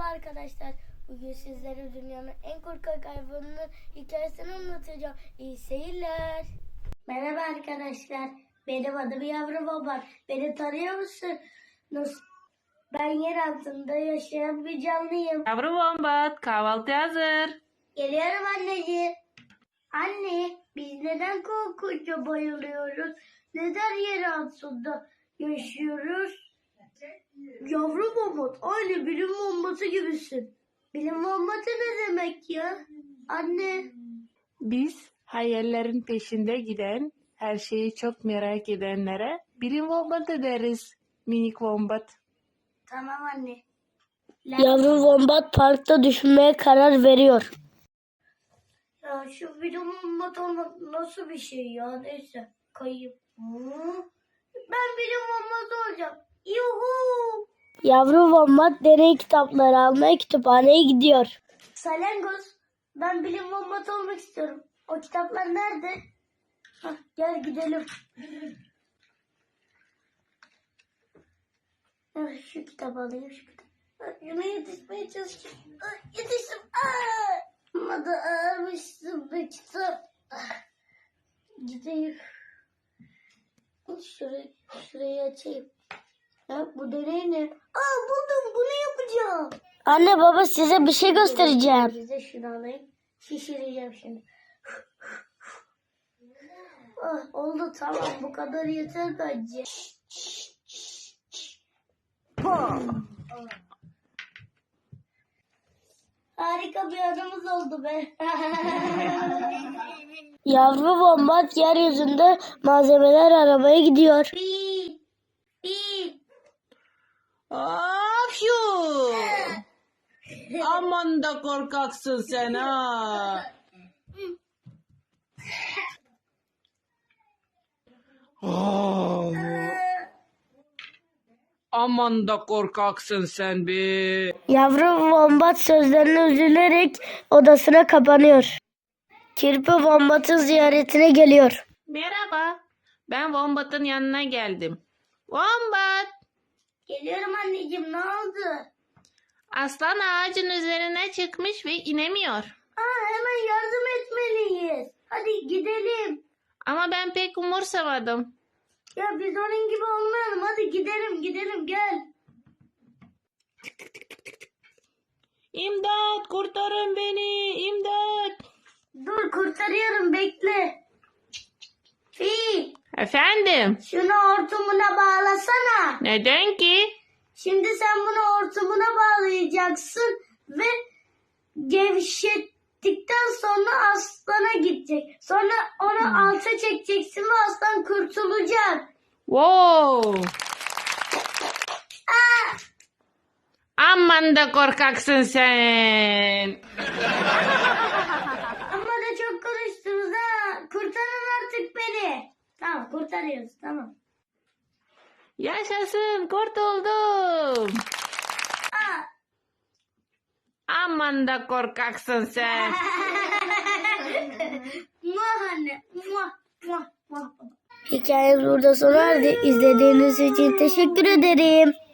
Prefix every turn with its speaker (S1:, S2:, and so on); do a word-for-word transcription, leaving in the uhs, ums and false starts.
S1: arkadaşlar. Bugün sizlere dünyanın en korkak hayvanının hikayesini anlatacağım. İyi seyirler. Merhaba arkadaşlar. Benim adım Yavru Baba. Beni tanıyor musun? Nasıl? Ben yer altında yaşayan bir canlıyım.
S2: Yavru Wombat, kahvaltı hazır.
S1: Geliyorum anneciğim. Anne, biz neden korkunca bayılıyoruz? Neden yer altında yaşıyoruz? Yavru Mahmut, aynı bilim bombası gibisin. Bilim bombası ne demek ya? Anne.
S2: Biz hayallerin peşinde giden, her şeyi çok merak edenlere bilim Wombat'ı deriz. Minik Wombat.
S1: Tamam anne.
S3: Yavru Wombat parkta düşünmeye karar veriyor.
S1: Ya şu bilim bombası olmak nasıl bir şey ya? Neyse, kayayım. Hı? Ben bilim bombası olacağım. Yuhu!
S3: Yavru Wombat deney kitapları almaya kütüphaneye gidiyor.
S1: Salyangoz, ben bilim bombası olmak istiyorum. O kitaplar nerede? Hah, gel gidelim. Ah, şu kitabı alayım, şu kitabı. Ah, Yine yetişmeye çalışıyorum. Ah, yetiştim. Aa! Ama da ağırmışsın be kitap. Ah, gideyim. Şurayı, şurayı açayım. Ya, bu deney ne? Aa, buldum, bunu yapacağım.
S3: Anne baba size bir şey göstereceğim.
S1: Bize şunu alayım. Şişireceğim şimdi. Ah, oldu, tamam, bu kadar yeter bence. Harika bir anımız oldu be.
S3: Yavru Wombat yeryüzünde malzemeler aramaya gidiyor.
S1: Pi, pi.
S2: Afyu! Aman da korkaksın sen ha. Oh. Aman da korkaksın sen be.
S3: Yavru Wombat sözlerine üzülerek odasına kapanıyor. Kirpi Wombat'ın ziyaretine geliyor.
S2: Merhaba. Ben Wombat'ın yanına geldim. Wombat!
S1: Geliyorum anneciğim, ne oldu?
S2: Aslan ağacın üzerine çıkmış ve inemiyor.
S1: Aa, hemen yardım etmeliyiz. Hadi gidelim.
S2: Ama ben pek umursamadım.
S1: Ya biz onun gibi olmayalım. Hadi gidelim gidelim gel.
S2: İmdat! Kurtarın beni! İmdat!
S1: Dur, kurtarıyorum, bekle. Fi,
S2: Efendim?
S1: şunu hortumuna bağlasana.
S2: Neden ki?
S1: Şimdi sen bunu hortumuna bağlayacaksın ve gevşettikten sonra aslana gidecek. Sonra onu alta çekeceksin ve aslan kurtulacak.
S2: Wow! Aman da korkaksın sen.
S1: Ama da çok konuştunuz ha. Kurtarın artık beni. Tamam, kurtarıyoruz, tamam.
S2: Yaşasın, kurtuldum.
S1: Aa.
S2: Aman da korkaksın sen.
S1: Muah anne. Muah, muah, muah.
S3: Hikayemiz burada sona erdi. İzlediğiniz için teşekkür ederim.